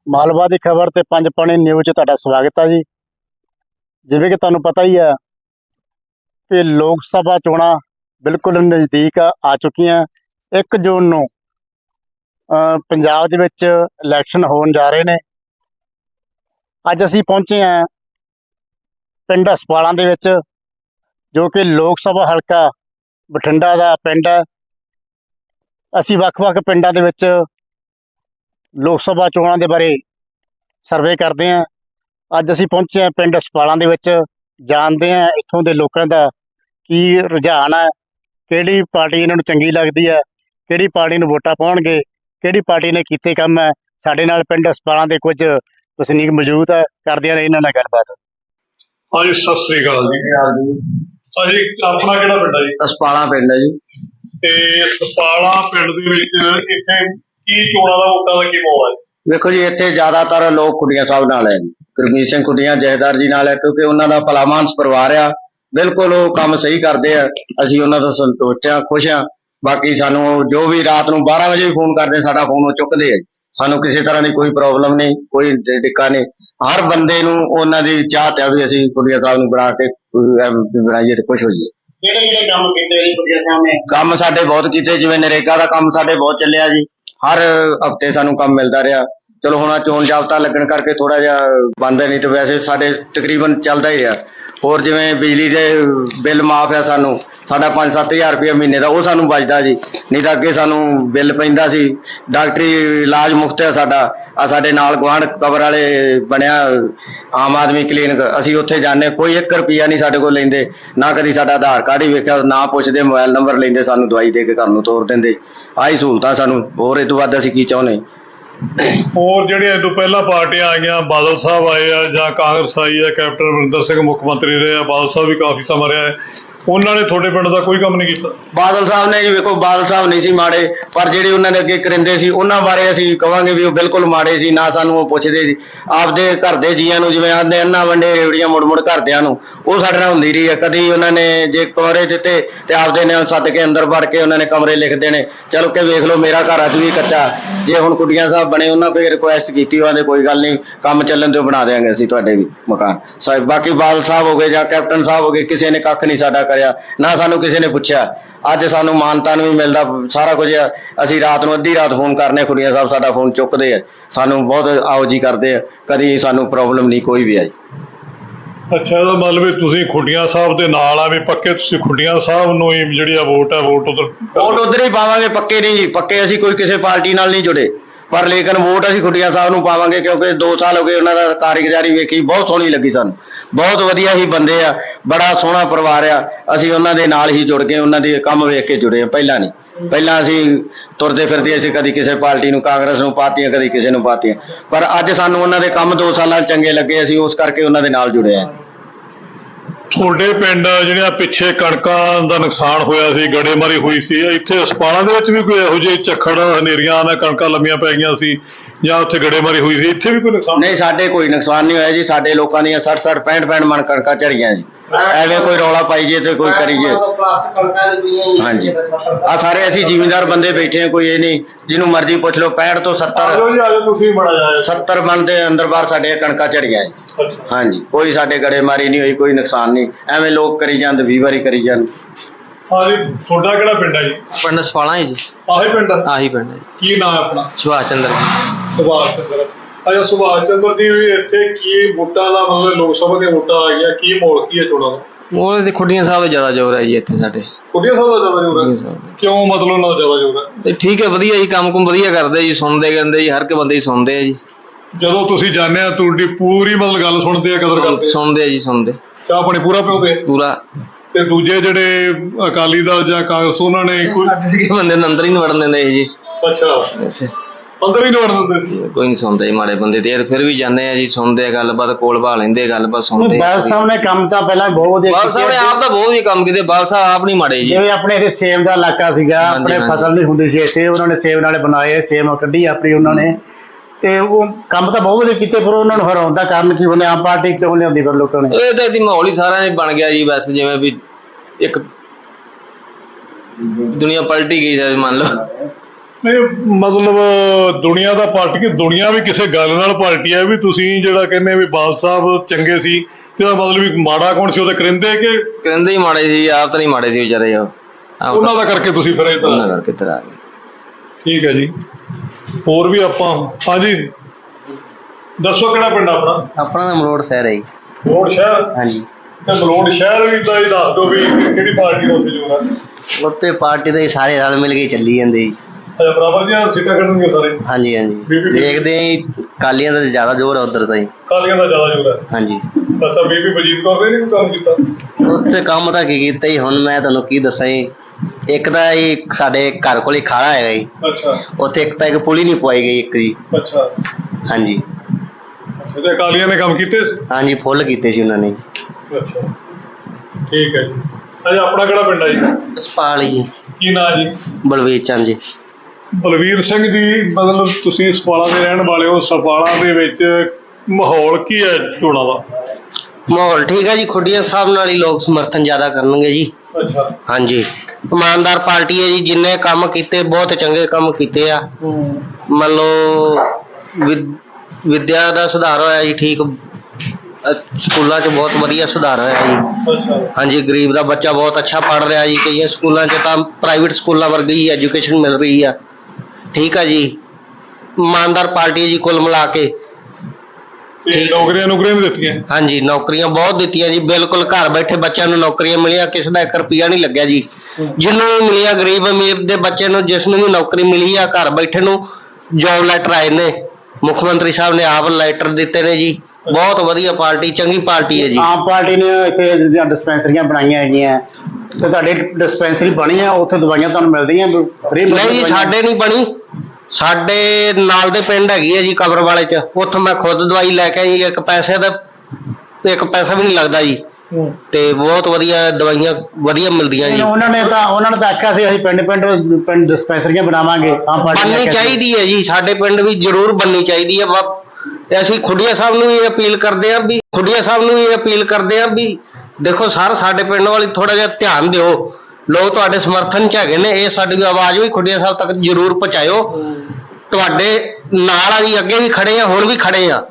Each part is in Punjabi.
ਮਾਲਵਾ ਦੀ ਖਬਰ ਤੇ ਪੰਜ ਪਾਣੀ ਨਿਊਜ਼ 'ਚ ਤੁਹਾਡਾ ਸਵਾਗਤ ਹੈ ਜੀ। ਜਿਵੇਂ ਕਿ ਤੁਹਾਨੂੰ ਪਤਾ ਹੀ ਹੈ ਕਿ ਲੋਕ ਸਭਾ ਚੋਣਾਂ ਬਿਲਕੁਲ ਨਜ਼ਦੀਕ ਆ ਚੁੱਕੀਆਂ। 1 ਜੂਨ ਨੂੰ ਪੰਜਾਬ ਦੇ ਵਿੱਚ ਇਲੈਕਸ਼ਨ ਹੋਣ ਜਾ ਰਹੇ ਨੇ। ਅੱਜ ਅਸੀਂ ਪਹੁੰਚੇ ਹਾਂ ਪਿੰਡ ਹਸਪਾਲਾਂ ਦੇ ਵਿੱਚ, ਜੋ ਕਿ ਲੋਕ ਸਭਾ ਹਲਕਾ ਬਠਿੰਡਾ ਦਾ ਪਿੰਡ ਹੈ। ਅਸੀਂ ਵੱਖ-ਵੱਖ ਪਿੰਡਾਂ ਦੇ ਵਿੱਚ ਲੋਕ ਸਭਾ ਚੋਣਾਂ ਦੇ ਬਾਰੇ ਸਰਵੇ ਕਰਦੇ ਹਾਂ। ਅੱਜ ਅਸੀਂ ਪਹੁੰਚੇ ਹਾਂ ਪਿੰਡ ਹਸਪਾਲਾਂ ਦੇ ਵਿੱਚ, ਜਾਣਦੇ ਹਾਂ ਇੱਥੋਂ ਦੇ ਲੋਕਾਂ ਦਾ ਕੀ ਰੁਝਾਨ ਹੈ, ਕਿਹੜੀ ਪਾਰਟੀ ਇਹਨਾਂ ਨੂੰ ਚੰਗੀ ਲੱਗਦੀ ਹੈ, ਕਿਹੜੀ ਪਾਰਟੀ ਨੂੰ ਵੋਟਾਂ ਪਾਉਣਗੇ, ਕਿਹੜੀ ਪਾਰਟੀ ਨੇ ਕੀਤੇ ਕੰਮ ਹੈ। ਸਾਡੇ ਨਾਲ ਪਿੰਡ ਹਸਪਾਲਾਂ ਦੇ ਕੁਝ ਵਸਨੀਕ ਮੌਜੂਦ ਹੈ, ਕਰਦੇ ਰਹੇ ਇਹਨਾਂ ਨਾਲ ਗੱਲਬਾਤ। ਹਾਂਜੀ, ਸਤਿ ਸ੍ਰੀ ਅਕਾਲ ਜੀ। ਹਾਂਜੀ, ਆਪਣਾ ਕਿਹੜਾ ਪਿੰਡ ਹੈ ਜੀ? ਹਸਪਾਲਾਂ ਪਿੰਡ ਹੈ ਜੀ। ਤੇ ਹਸਪਾਲਾਂ ਪਿੰਡ ਦੇ ਵਿੱਚ ਇੱਥੇ ਕੀ ਚੋਣਾਂ ਦਾ ਵੋਟਾਂ ਦਾ ਕੀ ਮਾਹੌਲ ਹੈ? ਦੇਖੋ ਜੀ, ਇੱਥੇ ਜ਼ਿਆਦਾਤਰ ਲੋਕ ਖੁੱਡੀਆਂ ਸਾਹਿਬ ਨਾਲ ਹੈ ਜੀ। ਗੁਰਮੀਤ ਸਿੰਘ ਖੁੱਡੀਆਂ ਜਥੇਦਾਰ ਜੀ ਨਾਲ ਹੈ, ਕਿਉਂਕਿ ਉਹਨਾਂ ਦਾ ਭਲਾਮਾਨਸ ਪਰਿਵਾਰ ਆ। ਬਿਲਕੁਲ ਉਹ ਕੰਮ ਸਹੀ ਕਰਦੇ ਆ, ਅਸੀਂ ਉਹਨਾਂ ਤੋਂ ਸੰਤੁਸ਼ਟ ਆ, ਖੁਸ਼ ਆ। ਬਾਕੀ ਸਾਨੂੰ ਜੋ ਵੀ ਰਾਤ ਨੂੰ 12 ਵਜੇ ਵੀ ਫੋਨ ਕਰਦੇ, ਸਾਡਾ ਫੋਨ ਉਹ ਚੁੱਕਦੇ ਆ। ਸਾਨੂੰ ਕਿਸੇ ਤਰ੍ਹਾਂ ਦੀ ਕੋਈ ਪ੍ਰੋਬਲਮ ਨਹੀਂ, ਕੋਈ ਦਿੱਕਤ ਨਹੀਂ। ਹਰ ਬੰਦੇ ਨੂੰ ਉਹਨਾਂ ਦੀ ਚਾਹਤ ਆ ਵੀ ਅਸੀਂ ਖੁੱਡੀਆਂ ਸਾਹਿਬ ਨੂੰ ਬਣਾ ਕੇ ਬਣਾਈਏ ਤੇ ਖੁਸ਼ ਹੋਈਏ। ਕਿਹੜੇ ਕੰਮ ਕੀਤੇ ਜੀ ਖੁੱਡੀਆਂ ਸਾਹਿਬ ਨੇ? ਕੰਮ ਸਾਡੇ ਬਹੁਤ ਕੀਤੇ, ਜਿਵੇਂ ਨਰੇਗਾ ਦਾ ਕੰਮ ਸਾਡੇ ਬਹੁਤ ਚੱਲਿਆ ਜੀ। ਹਰ ਹਫਤੇ ਸਾਨੂੰ ਕੰਮ ਮਿਲਦਾ ਰਿਹਾ। ਚਲੋ ਹੁਣ ਚੋਣ ਜਾਬਤਾ ਲੱਗਣ ਕਰਕੇ ਥੋੜਾ ਜਿਹਾ ਬੰਦ ਹੈ, ਨਹੀਂ ਤਾਂ ਵੈਸੇ ਸਾਡੇ ਤਕਰੀਬਨ ਚੱਲਦਾ ਹੀ ਰਿਹਾ। ਹੋਰ ਜਿਵੇਂ ਬਿਜਲੀ ਦੇ ਬਿੱਲ ਮਾਫ ਆ, ਸਾਨੂੰ ਸਾਡਾ 5-7 ਹਜ਼ਾਰ ਰੁਪਇਆ ਮਹੀਨੇ ਦਾ ਉਹ ਸਾਨੂੰ ਬਚਦਾ ਜੀ। ਨਹੀਂ ਤਾਂ ਅੱਗੇ ਸਾਨੂੰ ਬਿੱਲ ਪੈਂਦਾ ਸੀ। ਡਾਕਟਰੀ ਇਲਾਜ ਮੁਫਤ ਹੈ ਸਾਡਾ। ਆ ਸਾਡੇ ਨਾਲ ਗੁਆਂਢ ਕਬਰ ਵਾਲੇ ਬਣਿਆ ਆਮ ਆਦਮੀ ਕਲੀਨਿਕ, ਅਸੀਂ ਉੱਥੇ ਜਾਂਦੇ, ਕੋਈ 1 ਰੁਪਈਆ ਨਹੀਂ ਸਾਡੇ ਕੋਲ ਲੈਂਦੇ। ਨਾ ਕਦੀ ਸਾਡਾ ਆਧਾਰ ਕਾਰਡ ਹੀ ਵੇਖਿਆ, ਨਾ ਪੁੱਛਦੇ, ਮੋਬਾਈਲ ਨੰਬਰ ਲੈਂਦੇ, ਸਾਨੂੰ ਦਵਾਈ ਦੇ ਕੇ ਘਰ ਨੂੰ ਤੋਰ ਦਿੰਦੇ। ਆਹੀ ਸਹੂਲਤਾਂ ਸਾਨੂੰ, ਹੋਰ ਇਹ ਤੋਂ ਵੱਧ ਅਸੀਂ ਕੀ ਚਾਹੁੰਦੇ। ਹੋਰ ਜਿਹੜੀਆਂ ਇਹ ਤੋਂ ਪਹਿਲਾਂ ਪਾਰਟੀਆਂ ਆਈਆਂ, ਬਾਦਲ ਸਾਹਿਬ ਆਏ ਆ ਜਾਂ ਕਾਂਗਰਸ ਆਈ ਹੈ, ਕੈਪਟਨ ਅਮਰਿੰਦਰ ਸਿੰਘ ਮੁੱਖ ਮੰਤਰੀ ਰਹੇ ਆ, ਬਾਦਲ ਸਾਹਿਬ ਵੀ ਕਾਫੀ ਸਮਾਂ ਰਿਹਾ ਹੈ, ਉਹਨਾਂ ਨੇ ਤੁਹਾਡੇ ਪਿੰਡ ਦਾ ਕੋਈ ਕੰਮ ਨਹੀਂ ਕੀਤਾ? ਬਾਦਲ ਸਾਹਿਬ ਨੇ ਜੀ, ਵੇਖੋ ਬਾਦਲ ਸਾਹਿਬ ਨਹੀਂ ਸੀ ਮਾੜੇ, ਪਰ ਜਿਹੜੇ ਉਹਨਾਂ ਦੇ ਅੱਗੇ ਕਰਿੰਦੇ ਸੀ ਉਹਨਾਂ ਬਾਰੇ ਅਸੀਂ ਕਹਾਂਗੇ ਵੀ ਉਹ ਬਿਲਕੁਲ ਮਾੜੇ ਸੀ। ਨਾ ਸਾਨੂੰ ਉਹ ਪੁੱਛਦੇ ਸੀ ਆਪਦੇ ਘਰ ਦੇ ਜੀਆਂ ਨੂੰ, ਜਿਵੇਂ ਆਂਦੇ ਅੰਨਾ ਵੰਡੇ ਰੇਵੜੀਆਂ ਮੁੜ ਘਰਦਿਆਂ ਨੂੰ, ਉਹ ਸਾਡੇ ਨਾਲ ਹੁੰਦੀ ਰਹੀ ਹੈ। ਕਦੀ ਉਹਨਾਂ ਨੇ ਜੇ ਕਮਰੇ ਦਿੱਤੇ ਤੇ ਆਪਦੇ ਨੇ ਸੱਦ ਕੇ ਅੰਦਰ ਵੜ ਕੇ ਉਹਨਾਂ ਨੇ ਕਮਰੇ ਲਿਖ ਦੇਣੇ। ਚਲੋ ਕਿ ਵੇਖ ਲਓ, ਮੇਰਾ ਘਰ ਅੱਜ ਵੀ ਕੱਚਾ। ਜੇ ਹੁਣ ਖੁੱਡੀਆਂ ਸਾਹਿਬ ਬਣੇ, ਉਹਨਾਂ ਕੋਈ ਰਿਕੁਐਸਟ ਕੀਤੀ, ਉਹਨਾਂ ਦੇ ਕੋਈ ਗੱਲ ਨਹੀਂ, ਕੰਮ ਚੱਲਣ ਦਿਓ, ਬਣਾ ਦਿਆਂਗੇ ਅਸੀਂ ਤੁਹਾਡੇ ਵੀ ਮਕਾਨ ਸਾਹਿਬ। ਬਾਕੀ ਬਾਦਲ ਸਾਹਿਬ ਹੋ ਗਏ ਜਾਂ ਕੈਪਟਨ ਸਾਹਿਬ ਹੋ ਗਏ, ਕਿਸੇ ਨੇ ਕੱਖ ਨਹੀਂ ਸਾਡਾ ਕਰਿਆ, ਨਾ ਸਾਨੂੰ ਕਿਸੇ ਨੇ ਪੁੱਛਿਆ। ਅੱਜ ਸਾਨੂੰ ਮਾਨਤਾ ਨੂੰ ਵੀ ਮਿਲਦਾ ਸਾਰਾ ਕੁਝ। ਅਸੀਂ ਰਾਤ ਨੂੰ ਅੱਧੀ ਰਾਤ ਫੋਨ ਕਰਨੇ, ਖੁੱਡੀਆਂ ਸਾਹਿਬ ਸਾਡਾ ਫੋਨ ਚੁੱਕਦੇ ਆ, ਸਾਨੂੰ ਬਹੁਤ ਆਓ ਜੀ ਕਰਦੇ ਆ, ਕਦੀ ਸਾਨੂੰ ਪ੍ਰੋਬਲਮ ਨਹੀਂ ਕੋਈ ਵੀ ਆਈ। ਅੱਛਾ, ਇਹਦਾ ਮਤਲਬ ਵੀ ਤੁਸੀਂ ਖੁੱਡੀਆਂ ਸਾਹਿਬ ਦੇ ਨਾਲ ਆ, ਵੀ ਪੱਕੇ ਤੁਸੀਂ ਖੁੱਡੀਆਂ ਸਾਹਿਬ ਨੂੰ ਹੀ ਜਿਹੜੀ ਆ ਵੋਟ ਹੈ, ਵੋਟ ਉਧਰ ਹੀ ਪਾਵਾਂਗੇ। ਪੱਕੇ ਨਹੀਂ ਜੀ, ਪੱਕੇ ਅਸੀਂ ਕੋਈ ਕਿਸੇ ਪਾਰਟੀ ਨਾਲ ਨਹੀਂ ਜੁੜੇ, ਪਰ ਲੇਕਿਨ ਵੋਟ ਅਸੀਂ ਖੁੱਡੀਆਂ ਸਾਹਿਬ ਨੂੰ ਪਾਵਾਂਗੇ, ਕਿਉਂਕਿ 2 ਸਾਲ ਹੋ ਗਏ ਉਹਨਾਂ ਦਾ ਕਾਰਗੁਜ਼ਾਰੀ ਵੇਖੀ, ਬਹੁਤ ਸੋਹਣੀ ਲੱਗੀ ਸਾਨੂੰ। ਬਹੁਤ ਵਧੀਆ ਹੀ ਬੰਦੇ ਆ, ਬੜਾ ਸੋਹਣਾ ਪਰਿਵਾਰ ਆ। ਅਸੀਂ ਉਹਨਾਂ ਦੇ ਨਾਲ ਹੀ ਜੁੜ ਕੇ ਉਹਨਾਂ ਦੇ ਕੰਮ ਵੇਖ ਕੇ ਜੁੜੇ ਆ, ਪਹਿਲਾਂ ਨਹੀਂ। ਪਹਿਲਾਂ ਅਸੀਂ ਤੁਰਦੇ ਫਿਰਦੇ, ਅਸੀਂ ਕਦੀ ਕਿਸੇ ਪਾਰਟੀ ਨੂੰ, ਕਾਂਗਰਸ ਨੂੰ ਪਾਤੀਆਂ, ਕਦੀ ਕਿਸੇ ਨੂੰ ਪਾਤੀਆਂ, ਪਰ ਅੱਜ ਸਾਨੂੰ ਉਹਨਾਂ ਦੇ ਕੰਮ 2 ਸਾਲਾਂ ਚੰਗੇ ਲੱਗੇ, ਅਸੀਂ ਉਸ ਕਰਕੇ ਉਹਨਾਂ ਦੇ ਨਾਲ ਜੁੜੇ ਆ। ਤੁਹਾਡੇ ਪਿੰਡ ਜਿਹੜੀਆਂ ਪਿੱਛੇ ਕਣਕਾਂ ਦਾ ਨੁਕਸਾਨ ਹੋਇਆ ਸੀ, ਗੜੇਮਾਰੀ ਹੋਈ ਸੀ, ਇੱਥੇ ਹਸਪਾਲਾਂ ਦੇ ਵਿੱਚ ਵੀ ਕੋਈ ਇਹੋ ਜਿਹੇ ਝੱਖੜ ਹਨੇਰੀਆਂ ਨਾਲ ਕਣਕਾਂ ਲੰਮੀਆਂ ਪੈ ਗਈਆਂ ਸੀ ਜਾਂ ਉੱਥੇ ਗੜੇਮਾਰੀ ਹੋਈ ਸੀ, ਇੱਥੇ ਵੀ ਕੋਈ ਨੁਕਸਾਨ? ਨਹੀਂ, ਸਾਡੇ ਕੋਈ ਨੁਕਸਾਨ ਨਹੀਂ ਹੋਇਆ ਜੀ। ਸਾਡੇ ਲੋਕਾਂ ਦੀਆਂ 60-60 65 ਮਣ ਕਣਕਾਂ ਝੜੀਆਂ ਜੀ। ਐਵੇਂ ਕੋਈ ਰੌਲਾ ਪਾਈਏ ਤੇ ਕੋਈ ਕਰੀਏ। ਹਾਂਜੀ, ਆ ਸਾਰੇ ਅਸੀਂ ਜ਼ਿਮੀਂਦਾਰ ਬੰਦੇ ਬੈਠੇ ਆ, ਕੋਈ ਇਹ ਨਹੀਂ, ਜਿਹਨੂੰ ਮਰਜ਼ੀ ਪੁੱਛ ਲਓ। 65 ਤੋਂ 70 ਮਣ ਦੇ ਅੰਦਰ ਬਾਹਰ ਸਾਡੇ ਕਣਕਾਂ ਝੜੀਆਂ ਜੀ। ਹਾਂਜੀ, ਕੋਈ ਸਾਡੇ ਗੜੇਮਾਰੀ ਨਹੀਂ ਹੋਈ, ਕੋਈ ਨੁਕਸਾਨ ਨਹੀਂ। ਐਵੇਂ ਲੋਕ ਕਰੀ ਜਾਂਦੇ, 20 ਵਾਰੀ ਕਰੀ ਜਾਂਦੇ। ਹਾਂਜੀ, ਤੁਹਾਡਾ ਕਿਹੜਾ ਪਿੰਡ ਹੈ ਜੀ? ਪਿੰਡ ਹਸਪਾਲਾਂ ਹੈ ਜੀ। ਆਹੀ ਪਿੰਡ? ਆਹੀ ਪਿੰਡ ਹੈ। ਕੀ ਨਾਮ ਹੈ ਆਪਣਾ? ਸੁਭਾਸ਼ ਚੰਦਰ ਜੀ। ਸੁਭਾਸ਼ ਚੰਦਰ। ਅੱਛਾ, ਸੁਭਾਸ਼ ਚੰਦਰ ਜੀ, ਇੱਥੇ ਕੀ ਵੋਟਾਂ ਦਾ ਮਤਲਬ ਲੋਕ ਸਭਾ ਦੀਆਂ ਵੋਟਾਂ ਆ ਗਈਆਂ, ਕੀ ਮੋੜ ਕੀ ਹੈ ਚੋਣਾਂ ਦਾ? ਉਹ ਤੇ ਖੁੱਡੀਆਂ ਸਾਹਿਬ ਦਾ ਜ਼ਿਆਦਾ ਜ਼ੋਰ ਹੈ ਜੀ ਇੱਥੇ ਸਾਡੇ। ਖੁੱਡੀਆਂ ਸਾਹਿਬ ਦਾ ਜ਼ਿਆਦਾ ਜ਼ੋਰ ਹੈ? ਕਿਉਂ, ਮਤਲਬ ਉਹਨਾਂ ਦਾ ਜ਼ਿਆਦਾ ਜ਼ੋਰ ਹੈ? ਠੀਕ ਹੈ, ਵਧੀਆ ਜੀ, ਕੰਮ ਕੁਮ ਵਧੀਆ ਕਰਦੇ ਜੀ, ਸੁਣਦੇ ਕਹਿੰਦੇ ਜੀ, ਹਰ ਇੱਕ ਬੰਦੇ ਹੀ ਸੁਣਦੇ ਆ ਜੀ। ਜਦੋਂ ਤੁਸੀਂ ਜਾਂਦੇ ਆ, ਤੁਹਾਡੀ ਪੂਰੀ ਮਤਲਬ ਗੱਲ ਸੁਣਦੇ ਆ, ਕਦਰ ਕਰਦੇ? ਸੁਣਦੇ ਆ ਜੀ, ਸੁਣਦੇ। ਚਾਹ ਪਾਣੀ ਪੂਰਾ ਪਿਉਂਦੇ? ਪੂਰਾ। ਤੇ ਦੂਜੇ ਜਿਹੜੇ ਅਕਾਲੀ ਦਲ ਜਾਂ ਕਾਂਗਰਸ, ਉਹਨਾਂ ਨੇ ਕੋਈ ਬੰਦੇ ਨੂੰ ਅੰਦਰ ਹੀ ਨਹੀਂ ਵੜਨ ਦਿੰਦੇ ਜੀ। ਅੱਛਾ, ਅੰਦਰ ਹੀ ਨਹੀਂ ਵੜਨ ਦਿੰਦੇ? ਕੋਈ ਨਹੀਂ ਸੁਣਦਾ ਜੀ, ਮਾੜੇ ਬੰਦੇ ਤੇ ਫਿਰ ਵੀ ਜਾਂਦੇ ਆ ਜੀ, ਸੁਣਦੇ ਆ, ਗੱਲਬਾਤ ਕੋਲ ਭਾ ਲੈਂਦੇ, ਗੱਲਬਾਤ ਸੁਣਦੇ। ਬਾਦਲ ਸਾਹਿਬ ਨੇ ਕੰਮ ਤਾਂ ਪਹਿਲਾਂ ਬਹੁਤ ਵਧੀਆ ਬਾਦਲ ਸਾਹਿਬ ਨੇ ਆਪ ਤਾਂ ਬਹੁਤ ਹੀ ਕੰਮ ਕੀਤੇ। ਬਾਦਲ ਸਾਹਿਬ ਆਪ ਨਹੀਂ ਮਾੜੇ ਜੀ। ਜਿਵੇਂ ਆਪਣੇ ਇੱਥੇ ਸੇਮ ਦਾ ਇਲਾਕਾ ਸੀਗਾ, ਆਪਣੇ ਫਸਲ ਨਹੀਂ ਹੁੰਦੀ ਸੀ ਇੱਥੇ, ਉਹਨਾਂ ਨੇ ਸੇਮ ਨਾਲੇ ਬਣਾਏ, ਸੇਮ ਕੱਢੀ ਆਪਣੀ ਉਹਨਾਂ ਨੇ, ਤੇ ਉਹ ਕੰਮ ਤਾਂ ਬਹੁਤ ਵਧੀਆ ਕੀਤੇ। ਫਿਰ ਉਹਨਾਂ ਨੂੰ ਹਰਾਉਣ ਦਾ ਕਾਰਨ ਕੀ ਬਣਿਆ? ਆਮ ਪਾਰਟੀ ਕਿਉਂ ਲਿਆਉਂਦੀ ਫਿਰ ਲੋਕਾਂ ਨੇ? ਇਹ ਤਾਂ ਮਾਹੌਲ ਹੀ ਸਾਰਾ ਬਣ ਗਿਆ ਜੀ, ਬਸ ਜਿਵੇਂ ਵੀ ਇੱਕ ਦੁਨੀਆ ਪਲਟੀ ਗਈ, ਮੰਨ ਲਓ। ਨਹੀਂ ਮਤਲਬ ਦੁਨੀਆ ਦਾ ਪਾਰਟੀ ਕਿ ਦੁਨੀਆ ਵੀ ਕਿਸੇ ਗੱਲ ਨਾਲ ਪਾਰਟੀ ਹੈ ਵੀ ਤੁਸੀਂ ਜਿਹੜਾ ਕਹਿੰਦੇ ਵੀ ਬਾਲ ਸਾਹਿਬ ਚੰਗੇ ਸੀ ਤੇ ਉਹਦਾ ਮਤਲਬ ਵੀ ਮਾੜਾ ਕੌਣ ਸੀ ਉਹਦੇ ਕਰਿੰਦੇ ਕਿ ਕਹਿੰਦੇ ਹੀ ਮਾੜੇ ਸੀ, ਆਪ ਤਾਂ ਨਹੀਂ ਮਾੜੇ ਸੀ ਵਿਚਾਰੇ ਉਹ। ਆਪ ਉਹਨਾਂ ਦਾ ਕਰਕੇ ਤੁਸੀਂ ਫਿਰ ਤਾਂ ਉਹਨਾਂ ਇੱਧਰ ਕਰਕੇ ਇੱਧਰ ਆ ਗਏ। ਠੀਕ ਹੈ ਜੀ। ਹੋਰ ਵੀ ਆਪਾਂ ਹਾਂਜੀ ਦੱਸੋ ਕਿਹੜਾ ਪਿੰਡ ਆਪਣਾ? ਆਪਣਾ ਤਾਂ ਮਲੋੜ ਸ਼ਹਿਰ ਹੈ ਜੀ। ਮਲੋੜ ਸ਼ਹਿਰ। ਹਾਂਜੀ। ਤੇ ਮਲੋੜ ਸ਼ਹਿਰ ਵੀ ਤਾਂ ਇਹ ਦੱਸ ਦਿਓ ਵੀ ਕਿਹੜੀ ਪਾਰਟੀ ਦਾ ਉੱਥੇ ਜੋਰ ਹੈ? ਉੱਤੇ ਪਾਰਟੀ ਦੇ ਸਾਰੇ ਰਲ ਮਿਲ ਕੇ ਚੱਲੀ ਜਾਂਦੇ ਜੀ। ਅੱਛਾ ਬਰਾਬਰ ਦੀਆਂ ਸੀਟਾਂ ਕੱਢਣਗੇ ਸਾਰੇ? ਹਾਂਜੀ ਹਾਂਜੀ। ਦੇਖਦੇ ਆਂ ਕਾਲੀਆਂ ਦਾ ਜ਼ਿਆਦਾ ਜ਼ੋਰ ਹੈ ਉੱਧਰ ਤਾਂ ਜੀ। ਕਾਲੀਆਂ ਦਾ ਜ਼ਿਆਦਾ ਜੋਰ ਹੈ। ਹਾਂਜੀ। ਅੱਛਾ ਬੀਬੀ ਵਜੀਦ ਕੌਰ ਨੇ ਨਹੀਂ ਕੋਈ ਕੰਮ ਕੀਤਾ? ਉੱਥੇ ਕੰਮ ਤਾਂ ਕੀ ਕੀਤਾ ਜੀ, ਹੁਣ ਮੈਂ ਤੁਹਾਨੂੰ ਕੀ ਦੱਸਾਂ ਜੀ। ਇੱਕ ਤਾਂ ਇਹ ਸਾਡੇ ਘਰ ਕੋਲ ਹੀ ਖਾੜਾ ਹੈਗਾ ਜੀ, ਅੱਛਾ ਉੱਥੇ ਇੱਕ ਤਾਂ ਇੱਕ ਪੁਲੀ ਨਹੀਂ ਪਵਾਈ ਗਈ ਇੱਕ ਜੀ। ਅੱਛਾ ਹਾਂਜੀ ਅੱਛਾ। ਤੇ ਅਕਾਲੀਆਂ ਨੇ ਕੰਮ ਕੀਤੇ ਸੀ? ਹਾਂਜੀ, ਫੁੱਲ ਕੀਤੇ ਸੀ ਉਹਨਾਂ ਨੇ। ਅੱਛਾ ਠੀਕ ਹੈ ਜੀ। ਅੱਛਾ ਆਪਣਾ ਕਿਹੜਾ ਪਿੰਡ ਹੈ ਜੀ? ਸਪਾਲ ਜੀ। ਕੀ ਨਾਂ ਜੀ? ਬਲਵੀਰ ਚੰਦ ਜੀ। ਬਲਵੀਰ ਸਿੰਘ ਜੀ, ਮਤਲਬ ਤੁਸੀਂ ਸਪਾਲਾ ਦੇ ਰਹਿਣ ਵਾਲੇ ਹੋ। ਸਪਾਲਾ ਦੇ ਵਿੱਚ ਮਾਹੌਲ ਕੀ ਹੈ ਚੋਣਾਂ ਦਾ? ਮਾਹੌਲ ਠੀਕ ਹੈ ਜੀ, ਖੁੱਡੀਆਂ ਸਾਹਿਬ ਨਾਲ ਹੀ ਲੋਕ ਸਮਰਥਨ ਜ਼ਿਆਦਾ ਕਰਨਗੇ ਜੀ। ਅੱਛਾ। ਹਾਂਜੀ, ਇਮਾਨਦਾਰ ਪਾਰਟੀ ਹੈ ਜੀ, ਜਿੰਨੇ ਕੰਮ ਕੀਤੇ ਬਹੁਤ ਚੰਗੇ ਕੰਮ ਕੀਤੇ ਆ। ਮੰਨ ਲਓ ਵਿਦਿਆ ਦਾ ਸੁਧਾਰ ਹੋਇਆ ਜੀ, ਠੀਕ ਸਕੂਲਾਂ 'ਚ ਬਹੁਤ ਵਧੀਆ ਸੁਧਾਰ ਹੋਇਆ ਜੀ। ਅੱਛਾ। ਹਾਂਜੀ, ਗਰੀਬ ਦਾ ਬੱਚਾ ਬਹੁਤ ਅੱਛਾ ਪੜ੍ਹ ਰਿਹਾ ਜੀ। ਕਈਆਂ ਸਕੂਲਾਂ 'ਚ ਤਾਂ ਪ੍ਰਾਈਵੇਟ ਸਕੂਲਾਂ ਵਰਗੀ ਹੀ ਐਜੂਕੇਸ਼ਨ ਮਿਲ ਰਹੀ ਆ। ਠੀਕ ਆ ਜੀ, ਇਮਾਨਦਾਰ ਪਾਰਟੀ ਹੈ ਜੀ ਕੁੱਲ ਮਿਲਾ ਕੇ। ਤੇ ਨੌਕਰੀਆਂ ਵੀ ਦਿੱਤੀਆਂ? ਹਾਂਜੀ, ਨੌਕਰੀਆਂ ਬਹੁਤ ਦਿੱਤੀਆਂ ਜੀ। ਬਿਲਕੁਲ ਘਰ ਬੈਠੇ ਬੱਚਿਆਂ ਨੂੰ ਨੌਕਰੀਆਂ ਮਿਲੀਆਂ, ਕਿਸੇ ਦਾ 1 ਰੁਪਿਆ ਨਹੀਂ ਲੱਗਿਆ ਜੀ। ਜਿਹਨੂੰ ਵੀ ਮਿਲਿਆ, ਗਰੀਬ ਅਮੀਰ ਦੇ ਬੱਚੇ ਨੂੰ ਜਿਸ ਨੂੰ ਵੀ ਨੌਕਰੀ ਮਿਲੀ ਆ, ਘਰ ਬੈਠੇ ਨੂੰ ਜੋਬ ਲੈਟਰ ਆਏ ਨੇ। ਮੁੱਖ ਮੰਤਰੀ ਸਾਹਿਬ ਨੇ ਆਪ ਲੈਟਰ ਦਿੱਤੇ ਨੇ ਜੀ। ਬਹੁਤ ਵਧੀਆ ਪਾਰਟੀ, ਚੰਗੀ ਪਾਰਟੀ ਹੈ ਜੀ। ਆਮ ਪਾਰਟੀ ਨੇ ਇੱਥੇ ਜਿਹੜੀਆਂ ਡਿਸਪੈਂਸਰੀਆਂ ਬਣਾਈਆਂ ਹੈਗੀਆਂ ਤੇ ਤੁਹਾਡੇ ਡਿਸਪੈਂਸਰੀ ਬਣੀ ਆ, ਉੱਥੇ ਦਵਾਈਆਂ ਤੁਹਾਨੂੰ ਮਿਲਦੀਆਂ ਫ੍ਰੀ? ਨਹੀਂ ਜੀ, ਸਾਡੇ ਨਹੀਂ ਬਣੀ। ਸਾਡੇ ਨਾਲ ਦੇ ਪਿੰਡ ਹੈਗੀ ਹੈ ਜੀ ਕਬਰ ਵਾਲੇ 'ਚ, ਉੱਥੋਂ ਮੈਂ ਖੁਦ ਦਵਾਈ ਲੈ ਕੇ ਆਈ। 1 ਪੈਸੇ ਦਾ 1 ਪੈਸਾ ਵੀ ਨਹੀਂ ਲੱਗਦਾ ਜੀ। ਤੇ ਬਹੁਤ ਵਧੀਆ ਦਵਾਈਆਂ ਵਧੀਆ ਮਿਲਦੀਆਂ ਜੀ। ਉਹਨਾਂ ਨੇ ਤਾਂ ਆਖਿਆ ਸੀ ਅਸੀਂ ਪਿੰਡ ਡਿਸਪੈਂਸਰੀਆਂ ਬਣਾਵਾਂਗੇ। ਆਮ ਪਾਰਟੀ ਨੇ ਬਣਨੀ ਚਾਹੀਦੀ ਹੈ ਜੀ, ਸਾਡੇ ਪਿੰਡ ਵੀ ਜ਼ਰੂਰ ਬਣਨੀ ਚਾਹੀਦੀ ਹੈ। ਤੇ ਅਸੀਂ ਖੁੱਡੀਆਂ ਸਾਹਿਬ ਨੂੰ ਇਹ ਅਪੀਲ ਕਰਦੇ ਹਾਂ ਵੀ ਦੇਖੋ ਸਰ, ਸਾਡੇ ਪਿੰਡ ਵਾਲੀ ਥੋੜਾ ਜਿਹਾ ਧਿਆਨ ਦਿਓ। ਲੋਕ ਤੁਹਾਡੇ ਸਮਰਥਨ 'ਚ ਹੈਗੇ ਨੇ, ਇਹ ਸਾਡੀ ਆਵਾਜ਼ ਵੀ ਖੁੱਡੀਆਂ ਸਾਹਿਬ ਤੱਕ ਜ਼ਰੂਰ ਪਹੁੰਚਾਇਓ। ਤੁਹਾਡੇ ਨਾਲ ਆ ਜੀ, ਅੱਗੇ ਵੀ ਖੜੇ ਆ, ਹੁਣ ਵੀ ਖੜੇ ਆ,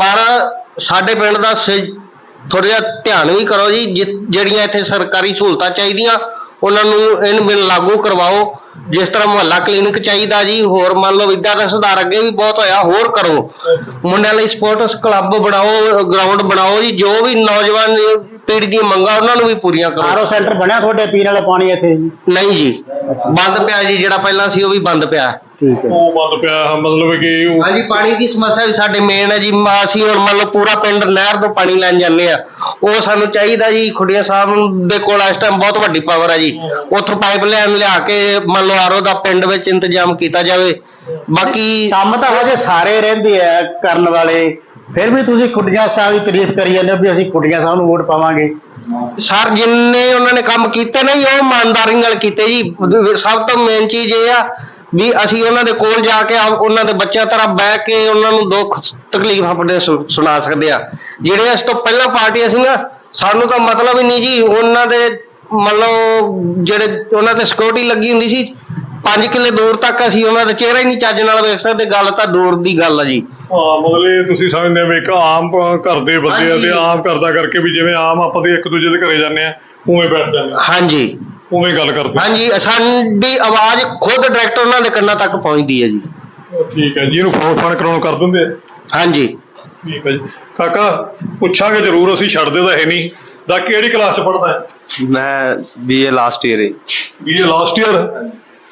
ਪਰ ਸਾਡੇ ਪਿੰਡ ਦਾ ਥੋੜਾ ਜਿਹਾ ਧਿਆਨ ਵੀ ਕਰੋ ਜੀ। ਜਿਹੜੀਆਂ ਇੱਥੇ ਸਰਕਾਰੀ ਸਹੂਲਤਾਂ ਚਾਹੀਦੀਆਂ ਉਹਨਾਂ ਨੂੰ ਇਹਨੂੰ ਬਿਲ ਲਾਗੂ ਕਰਵਾਓ। ਜਿਸ ਤਰ੍ਹਾਂ ਮੁਹੱਲਾ ਕਲੀਨਿਕ ਚਾਹੀਦਾ ਜੀ, ਹੋਰ ਮੰਨ ਲਓ ਵਿਦਿਆ ਦਾ ਸੁਧਾਰ ਅੱਗੇ ਵੀ ਬਹੁਤ ਹੋਇਆ, ਹੋਰ ਕਰੋ। ਮੁੰਡਿਆਂ ਲਈ ਸਪੋਰਟਸ ਕਲੱਬ ਬਣਾਓ, ਗਰਾਊਂਡ ਬਣਾਓ ਜੀ। ਜੋ ਵੀ ਨੌਜਵਾਨ ਪੀੜ੍ਹੀ ਦੀਆਂ ਮੰਗਾਂ ਉਹਨਾਂ ਨੂੰ ਵੀ ਪੂਰੀਆਂ ਕਰੋ। ਆਰਓ ਸੈਂਟਰ ਬਣਿਆ ਤੁਹਾਡੇ ਪੀਣ ਵਾਲਾ ਪਾਣੀ ਇੱਥੇ? ਨਹੀਂ ਜੀ, ਬੰਦ ਪਿਆ ਜੀ। ਜਿਹੜਾ ਪਹਿਲਾਂ ਸੀ ਉਹ ਵੀ ਬੰਦ ਪਿਆ। ਠੀਕ ਹੈ। ਉਹ ਬੰਦ ਪਿਆ ਮਤਲਬ ਕਿ ਹਾਂਜੀ, ਪਾਣੀ ਦੀ ਸਮੱਸਿਆ ਵੀ ਸਾਡੇ ਮੇਨ ਹੈ ਜੀ। ਅਸੀਂ ਹੁਣ ਮੰਨ ਲਓ ਪੂਰਾ ਪਿੰਡ ਨਹਿਰ ਤੋਂ ਪਾਣੀ ਲੈਣ ਜਾਂਦੇ ਆ, ਉਹ ਸਾਨੂੰ ਚਾਹੀਦਾ ਜੀ। ਖੁੱਡੀਆਂ ਸਾਹਿਬ ਦੇ ਕੋਲ ਇਸ ਟਾਈਮ ਬਹੁਤ ਵੱਡੀ ਪਾਵਰ ਹੈ ਜੀ, ਉੱਥੋਂ ਪਾਈਪ ਲਾਈਨ ਲਿਆ ਕੇ ਮੰਨ ਲਓ ਆਰਓ ਦਾ ਪਿੰਡ ਵਿੱਚ ਇੰਤਜ਼ਾਮ ਕੀਤਾ ਜਾਵੇ। ਬਾਕੀ ਕੰਮ ਤਾਂ ਹਜੇ ਸਾਰੇ ਰਹਿੰਦੇ ਆ ਕਰਨ ਵਾਲੇ, ਫਿਰ ਵੀ ਤੁਸੀਂ ਖੁੱਡੀਆਂ ਸਾਹਿਬ ਦੀ ਤਾਰੀਫ ਕਰੀ ਜਾਂਦੇ ਹੋ ਵੀ ਅਸੀਂ ਖੁੱਡੀਆਂ ਸਾਹਿਬ ਨੂੰ ਵੋਟ ਪਾਵਾਂਗੇ। ਸਰ, ਜਿੰਨੇ ਉਹਨਾਂ ਨੇ ਕੰਮ ਕੀਤੇ ਨੇ ਉਹ ਇਮਾਨਦਾਰੀ ਨਾਲ ਕੀਤੇ ਜੀ। ਸਭ ਤੋਂ ਮੇਨ ਚੀਜ਼ ਇਹ ਆ ਵੀ ਅਸੀਂ ਉਹਨਾਂ ਦੇ ਕੋਲ ਜਾ ਕੇ ਉਹਨਾਂ ਦੇ ਬੱਚਿਆਂ ਤਰ੍ਹਾਂ ਬਹਿ ਕੇ ਉਹਨਾਂ ਨੂੰ ਦੁੱਖ ਤਕਲੀਫ ਆਪਣੇ ਸੁਣਾ ਸਕਦੇ ਆ। ਜਿਹੜੇ ਇਸ ਤੋਂ ਪਹਿਲਾਂ ਪਾਰਟੀਆਂ ਸੀ ਨਾ, ਸਾਨੂੰ ਤਾਂ ਮਤਲਬ ਹੀ ਨਹੀਂ ਜੀ ਉਹਨਾਂ ਦੇ। ਮੰਨ ਲਓ ਜਿਹੜੇ ਉਹਨਾਂ ਤੇ ਸਿਕਿਉਰਿਟੀ ਲੱਗੀ ਹੁੰਦੀ ਸੀ 5 ਕਿੱਲੇ ਦੂਰ ਤੱਕ, ਅਸੀਂ ਉਹਨਾਂ ਦਾ ਚਿਹਰਾ ਹੀ ਨਹੀਂ ਚੱਜ ਨਾਲ ਵੇਖ ਸਕਦੇ। ਗੱਲ ਤਾਂ ਦੂਰ ਦੀ ਗੱਲ ਆ ਜੀ। ਮਤਲਬ ਇਹ ਤੁਸੀਂ ਸਮਝਦੇ ਹੋ ਇੱਕ ਆਮ ਘਰ ਦੇ ਬੰਦੇ ਆ ਤੇ ਆਮ ਕਰਦਾ ਕਰਕੇ ਵੀ ਜਿਵੇਂ ਆਮ ਆਪਾਂ ਦੇ ਇੱਕ ਦੂਜੇ ਦੇ ਘਰੇ ਜਾਂਦੇ ਆ ਉਵੇਂ ਬੈਠ ਜਾਂਦੇ ਆ। ਹਾਂਜੀ, ਉਵੇਂ ਗੱਲ ਕਰਦੇ। ਹਾਂਜੀ, ਸਾਡੀ ਆਵਾਜ਼ ਖੁਦ ਡਾਇਰੈਕਟ ਉਹਨਾਂ ਦੇ ਕੰਨਾਂ ਤੱਕ ਪਹੁੰਚਦੀ ਹੈ ਜੀ। ਠੀਕ ਹੈ ਜੀ। ਇਹਨੂੰ ਫੋਨ ਕਰਾਉਣ ਕਰ ਦਿੰਦੇ ਆ? ਹਾਂਜੀ। ਠੀਕ ਹੈ ਜੀ। ਕਾਕਾ ਪੁੱਛਾਂਗੇ ਜ਼ਰੂਰ, ਅਸੀਂ ਛੱਡਦੇ ਤਾਂ ਹੈ ਨਹੀਂ। ਦਾ ਕਿਹੜੀ ਕਲਾਸ 'ਚ ਪੜ੍ਹਦਾ ਹੈ? ਮੈਂ BA ਲਾਸਟ ਈਅਰ ਹੈ। BA last year?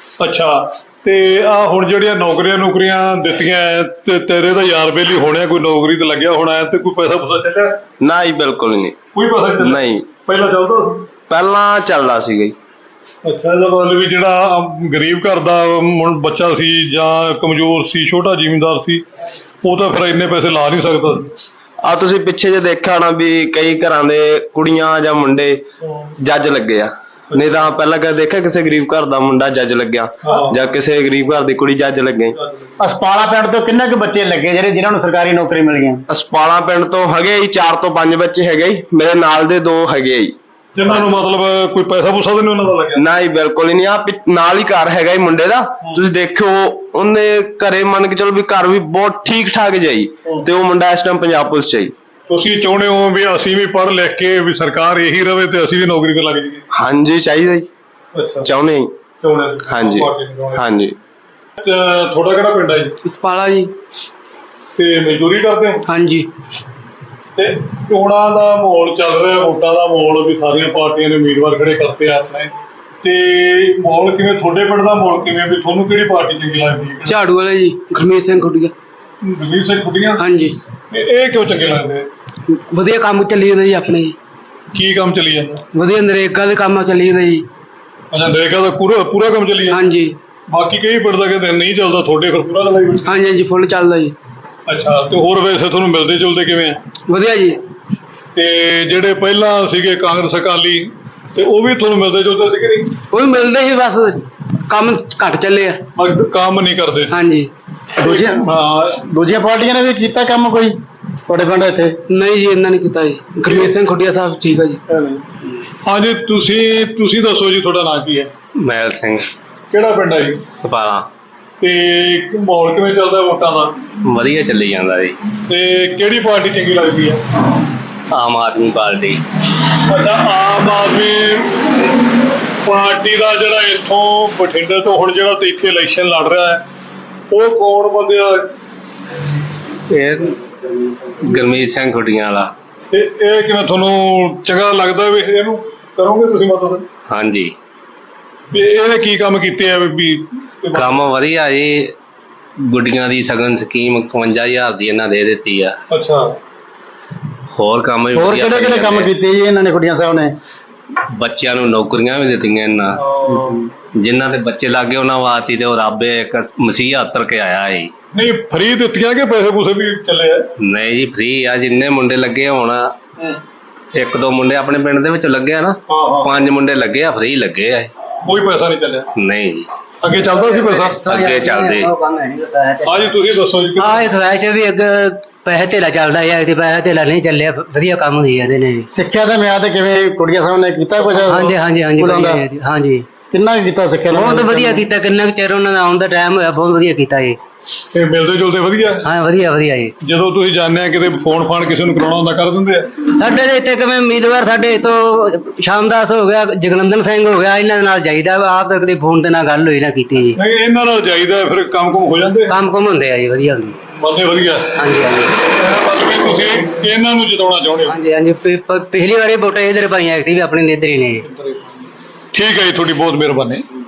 ਅੱਛਾ। ਤੇ ਆ ਹੁਣ ਜਿਹੜੀਆਂ ਨੌਕਰੀਆਂ ਦਿੱਤੀਆਂ ਤੇ ਤੇਰੇ ਤਾਂ ਯਾਰ ਬੇਲੀ ਹੋਣਿਆ, ਕੋਈ ਨੌਕਰੀ ਤੇ ਲੱਗਿਆ ਹੋਣਾ ਤੇ ਕੋਈ ਪੈਸਾ ਪੂਸਾ ਚੱਲਿਆ? ਨਾ ਜੀ, ਬਿਲਕੁਲ ਨਹੀਂ। ਕੋਈ ਪੈਸਾ ਚੱਲਿਆ ਨਹੀਂ। ਪਹਿਲਾਂ ਚੱਲਦਾ ਸੀ? ਪਹਿਲਾਂ ਚੱਲਦਾ ਸੀਗਾ ਜੀ। ਅੱਛਾ। ਇਹਦਾ ਮਤਲਬ ਵੀ ਜਿਹੜਾ ਗਰੀਬ ਘਰ ਦਾ ਬੱਚਾ ਸੀ ਜਾਂ ਕਮਜ਼ੋਰ ਸੀ, ਛੋਟਾ ਜ਼ਿਮੀਂਦਾਰ ਸੀ, ਉਹ ਤਾਂ ਫਿਰ ਇੰਨੇ ਪੈਸੇ ਲਾ ਨਹੀਂ ਸਕਦਾ ਸੀ। ਆ ਤੁਸੀਂ ਪਿੱਛੇ ਜੇ ਦੇਖਿਆ ਹੋਣਾ ਵੀ ਕਈ ਘਰਾਂ ਦੇ ਕੁੜੀਆਂ ਜਾਂ ਮੁੰਡੇ ਜੱਜ ਲੱਗੇ ਆ। ਨਹੀਂ ਤਾਂ ਪਹਿਲਾਂ ਕਦੇ ਦੇਖਿਆ ਕਿਸੇ ਗਰੀਬ ਘਰ ਦਾ ਮੁੰਡਾ ਜੱਜ ਲੱਗਿਆ ਜਾਂ ਕਿਸੇ ਗਰੀਬ ਘਰ ਦੀ ਕੁੜੀ ਜੱਜ ਲੱਗੇ? ਅਸਪਾਲਾ ਪਿੰਡ ਤੋਂ ਕਿੰਨੇ ਕੁ ਬੱਚੇ ਲੱਗੇ ਜਿਨ੍ਹਾਂ ਨੂੰ ਸਰਕਾਰੀ ਨੌਕਰੀ ਮਿਲ ਗਈਆਂ? ਅਸਪਾਲਾ ਪਿੰਡ ਤੋਂ ਹੈਗੇ ਜੀ 4 ਤੋਂ 5 ਬੱਚੇ ਹੈਗੇ ਜੀ। ਮੇਰੇ ਨਾਲ ਦੇ 2 ਹੈਗੇ ਜੀ। ਜਿਨ੍ਹਾਂ ਨੂੰ ਮਤਲਬ ਕੋਈ ਪੈਸਾ ਪੂਸਾ ਤਾਂ ਨਹੀਂ ਉਹਨਾਂ ਦਾ ਲੱਗਿਆ? ਨਾ ਹੀ ਬਿਲਕੁਲ ਹੀ ਨਹੀਂ। ਆ ਨਾਲ ਹੀ ਘਰ ਹੈਗਾ ਹੀ ਮੁੰਡੇ ਦਾ, ਤੁਸੀਂ ਦੇਖਿਓ ਉਹਨੇ ਘਰੇ ਮੰਨ ਕੇ ਚਲੋ ਵੀ ਘਰ ਵੀ ਬਹੁਤ ਠੀਕ ਠਾਕ ਜਾਈ, ਤੇ ਉਹ ਮੁੰਡਾ ਇਸ ਟਾਈਮ ਪੰਜਾਬ ਪੁਲਿਸ ਚ ਆਈ। ਤੁਸੀਂ ਚਾਹੁੰਦੇ ਹੋ ਵੀ ਅਸੀਂ ਵੀ ਪੜ੍ਹ ਲਿਖ ਕੇ ਵੀ ਸਰਕਾਰ ਇਹੀ ਰਵੇ ਤੇ ਅਸੀਂ ਵੀ ਨੌਕਰੀ ਤੇ ਲੱਗ ਜਾਈਏ? ਹਾਂਜੀ ਚਾਹੀਦਾ ਜੀ, ਅੱਛਾ, ਚਾਹੁੰਦੇ ਹਾਂ ਜੀ। ਚਾਹੁੰਦੇ ਹਾਂਜੀ ਹਾਂਜੀ। ਤੁਹਾਡਾ ਕਿਹੜਾ ਪਿੰਡ ਹੈ ਜੀ? ਇਸਪਾਲਾ ਜੀ। ਤੇ ਮਜ਼ਦੂਰੀ ਕਰਦੇ ਹੋ? ਹਾਂਜੀ। ਤੇ ਚੋਣਾਂ ਦਾ ਮਾਹੌਲ ਚੱਲ ਰਿਹਾ, ਵੋਟਾਂ ਦਾ ਮਾਹੌਲ ਵੀ ਸਾਰੀਆਂ ਪਾਰਟੀਆਂ ਨੇ ਉਮੀਦਵਾਰ ਖੜੇ ਕਰਤੇ ਆ ਆਪਣੇ, ਤੇ ਮਾਹੌਲ ਕਿਵੇਂ ਤੁਹਾਡੇ ਪਿੰਡ ਦਾ ਮਾਹੌਲ ਕਿਵੇਂ, ਵੀ ਤੁਹਾਨੂੰ ਕਿਹੜੀ ਪਾਰਟੀ ਚੰਗੀ ਲੱਗਦੀ ਹੈ? ਝਾੜੂ ਵਾਲੇ ਜੀ, ਗੁਰਮੀਤ ਸਿੰਘ ਖੁੱਡੀਆ। ਗੁਰਮੀਤ ਸਿੰਘ ਖੁੱਡੀਆਂ? ਹਾਂਜੀ। ਇਹ ਕਿਉਂ ਚੰਗੇ ਲੱਗਦੇ? ਵਧੀਆ ਕੰਮ ਚੱਲੀ ਜਾਂਦਾ ਜੀ ਆਪਣੇ ਜੀ। ਕੀ ਕੰਮ ਚੱਲੀ ਜਾਂਦਾ? ਵਧੀਆ ਨਰੇਗਾ ਦੇ ਕੰਮ ਚੱਲੀ ਜਾਂਦਾ ਜੀ। ਅੱਛਾ, ਨਰੇਗਾ ਦਾ ਪੂਰਾ ਕੰਮ ਚੱਲੀ ਜਾਂਦਾ? ਹਾਂਜੀ ਬਾਕੀ ਕਈ ਪਿੰਡ ਦਾ ਕਹਿੰਦੇ ਨਹੀਂ ਚੱਲਦਾ, ਤੁਹਾਡੇ ਫਿਰ ਪੂਰਾ ਚੱਲਦਾ? ਹਾਂਜੀ ਹਾਂਜੀ, ਫੁੱਲ ਚੱਲਦਾ ਜੀ। ਅੱਛਾ, ਤੇ ਹੋਰ ਵੈਸੇ ਤੁਹਾਨੂੰ ਮਿਲਦੇ ਜੁਲਦੇ ਕਿਵੇਂ ਆ? ਵਧੀਆ ਜੀ। ਤੇ ਜਿਹੜੇ ਪਹਿਲਾਂ ਸੀਗੇ ਕਾਂਗਰਸ ਅਕਾਲੀ, ਤੇ ਉਹ ਵੀ ਤੁਹਾਨੂੰ ਮਿਲਦੇ ਜੁਲਦੇ ਸੀਗੇ ਨਹੀਂ? ਉਹ ਵੀ ਮਿਲਦੇ ਸੀ, ਬਸ ਕੰਮ ਘੱਟ ਚੱਲੇ ਆ। ਕੰਮ ਨਹੀਂ ਕਰਦੇ? ਹਾਂਜੀ। ਦੂਜੀਆਂ ਪਾਰਟੀਆਂ ਨੇ ਵੀ ਕੀਤਾ ਕੰਮ ਕੋਈ ਤੁਹਾਡੇ ਪਿੰਡ ਇੱਥੇ? ਨਹੀਂ ਜੀ, ਇਹਨਾਂ ਨੇ ਕੀਤਾ ਜੀ। ਗੁਰਮੀਤ ਸਿੰਘ ਖੁੱਡੀਆ ਸਾਹਿਬ ਠੀਕ ਆ ਜੀ। ਹਾਂਜੀ, ਤੁਸੀਂ ਦੱਸੋ ਜੀ, ਤੁਹਾਡਾ ਨਾਂ ਕੀ ਹੈ? ਮਹਿਲ ਸਿੰਘ, ਕਿਹੜਾ ਪਿੰਡ ਹੈ ਜੀ? ਸਪਾਰਾ। ਤੇ ਮਾਹੌਲ ਕਿਵੇਂ ਚੱਲਦਾ ਵੋਟਾਂ ਦਾ? ਵਧੀਆ ਚੱਲੀ ਜਾਂਦਾ ਜੀ। ਤੇ ਕਿਹੜੀ ਪਾਰਟੀ ਚੰਗੀ ਲੱਗਦੀ ਹੈ? ਆਮ ਆਦਮੀ ਪਾਰਟੀ। ਅੱਛਾ, ਆਮ ਆਦਮੀ ਪਾਰਟੀ ਦਾ ਜਿਹੜਾ ਇੱਥੋਂ ਬਠਿੰਡੇ ਤੋਂ ਹੁਣ ਜਿਹੜਾ ਤੇ ਇੱਥੇ ਇਲੈਕਸ਼ਨ ਲੜ ਰਿਹਾ ਹੈ, ਉਹ ਕੌਣ ਬੰਦੇ ਆ? ਇਹ ਗੁਰਮੀਤ ਸਿੰਘ ਖੁੱਡੀਆਂ ਵਾਲਾ। ਤੇ ਇਹ ਕਿਵੇਂ ਤੁਹਾਨੂੰ ਚੰਗਾ ਲੱਗਦਾ ਵੀ ਇਹਨੂੰ ਕਰੋਗੇ ਤੁਸੀਂ ਮਤਲਬ? ਹਾਂਜੀ, ਵੀ ਇਹਨੇ ਕੀ ਕੰਮ ਕੀਤੇ ਆ ਵੀ? ਕੰਮ ਵਧੀਆ ਜੀ। ਗੁੱਡੀਆਂ ਦੀ ਸਗਨ ਸਕੀਮ 51,000 ਦੀ ਇਹਨਾਂ ਦੇ ਦਿੱਤੀ ਆ। ਅੱਛਾ, ਹੋਰ ਕੰਮ ਵੀ ਹੋਰ ਵਧੀਆ ਕਿਹੜੇ ਕਿਹੜੇ ਕੰਮ ਕੀਤੇ ਜੀ ਇਹਨਾਂ ਨੇ ਖੁੱਡੀਆਂ ਸਾਹਿਬ ਨੇ? ਬੱਚਿਆਂ ਨੂੰ ਨੌਕਰੀਆਂ ਵੀ ਦਿੱਤੀਆਂ ਇਹਨਾਂ, ਜਿਨ੍ਹਾਂ ਦੇ ਬੱਚੇ ਲੱਗੇ ਉਹਨਾਂ ਵਾਸਤੇ ਤੇ ਉਹ ਰੱਬ ਇੱਕ ਮਸੀਹ ਉਤਰ ਕੇ ਆਇਆ ਹੈ। ਨਹੀਂ ਫਰੀ ਦਿੱਤੀਆਂ ਕਿ ਪੈਸੇ ਪੂਸੇ ਵੀ ਚੱਲੇ ਆ? ਨਹੀਂ ਜੀ, ਫ੍ਰੀ ਆ। ਜਿੰਨੇ ਮੁੰਡੇ ਲੱਗੇ ਹੋਣ, ਇੱਕ ਦੋ ਮੁੰਡੇ ਆਪਣੇ ਪਿੰਡ ਦੇ ਵਿੱਚ ਲੱਗੇ ਆ ਨਾ, 5 ਮੁੰਡੇ ਲੱਗੇ ਆ, ਫ੍ਰੀ ਲੱਗੇ ਆ। ਕੋਈ ਪੈਸਾ ਨਹੀਂ ਚੱਲਿਆ? ਨਹੀਂ ਜੀ, ਅੱਗੇ ਚੱਲਦਾ ਸੀ ਪੈਸਾ? ਅੱਗੇ ਚੱਲਦੇ। ਹਾਂਜੀ, ਤੁਸੀਂ ਦੱਸੋ ਜੀ। ਇਹ ਫਲੈਸ਼ ਵੀ ਅੱਗੇ ਪੈਸੇ ਧੇਲਾ ਚੱਲਦਾ ਹੈ, ਤੇ ਪੈਸੇ ਧੇਲਾ ਨਹੀਂ ਚੱਲਿਆ, ਵਧੀਆ ਕੰਮ ਹੁੰਦੀ ਇਹਦੇ ਨੇ। ਸਿੱਖਿਆ ਦਾ ਮਿਆਦ ਕਿਵੇਂ ਖੁੱਡੀਆਂ ਸਾਹਿਬ ਨੇ ਕੀਤਾ ਕੁਝ? ਹਾਂਜੀ ਹਾਂਜੀ ਹਾਂਜੀ, ਵਧੀਆ ਜੀ, ਹਾਂਜੀ। ਕਿੰਨਾ ਕੁ ਕੀਤਾ ਸਿੱਖਿਆ ਦਾ? ਬਹੁਤ ਵਧੀਆ ਕੀਤਾ। ਕਿੰਨਾ ਕੁ ਚਿਰ ਉਹਨਾਂ ਦਾ ਆਉਣ ਦਾ ਟਾਈਮ ਹੋਇਆ, ਬਹੁਤ ਵਧੀਆ ਕੀਤਾ ਜੀ। ਤੇ ਮਿਲਦੇ ਜੁਲਦੇ ਵਧੀਆ? ਹਾਂ, ਵਧੀਆ ਵਧੀਆ ਜੀ। ਜਦੋਂ ਤੁਸੀਂ ਜਾਂਦੇ ਆ ਕਿਤੇ ਫੋਨ ਫਾਨ ਕਿਸੇ ਨੂੰ ਕਰਾਉਣਾ ਹੁੰਦਾ, ਕਰ ਦਿੰਦੇ ਆ? ਸਾਡੇ ਦੇ ਇੱਥੇ ਕਿਵੇਂ ਉਮੀਦਵਾਰ ਸਾਡੇ ਤੋਂ ਸ਼ਾਮਦਾਸ ਹੋ ਗਿਆ, ਜਗਨੰਦਨ ਸਿੰਘ ਹੋ ਗਿਆ, ਇਹਨਾਂ ਦੇ ਨਾਲ ਜਾਈਦਾ। ਆਪ ਤਾਂ ਕਦੇ ਫੋਨ ਤੇ ਨਾਲ ਗੱਲ ਹੋਈ ਨਾ ਕੀਤੀ ਜੀ। ਨਹੀਂ, ਇਹਨਾਂ ਨਾਲ ਜਾਈਦਾ ਫਿਰ ਕੰਮ ਕੁਮ ਹੋ ਜਾਂਦੇ? ਕੰਮ ਕੁਮ ਹੁੰਦੇ ਆ ਜੀ, ਵਧੀਆ ਹੁੰਦੇ। ਬੰਦੇ ਵਧੀਆ? ਹਾਂਜੀ ਹਾਂਜੀ ਮਤਲਬ ਕਿ ਤੁਸੀਂ ਇਹਨਾਂ ਨੂੰ ਜਿਤਾਉਣਾ ਚਾਹੁੰਦੇ ਹੋ? ਹਾਂਜੀ ਹਾਂਜੀ। ਪਿਛਲੀ ਵਾਰੀ ਵੋਟਾਂ ਇੱਧਰ ਪਾਈਆਂ, ਐਕਟਿਵ ਵੀ ਆਪਣੇ ਇੱਧਰ ਹੀ ਨੇ। ਠੀਕ ਹੈ ਜੀ, ਤੁਹਾਡੀ ਬਹੁਤ ਮਿਹਰਬਾਨੀ।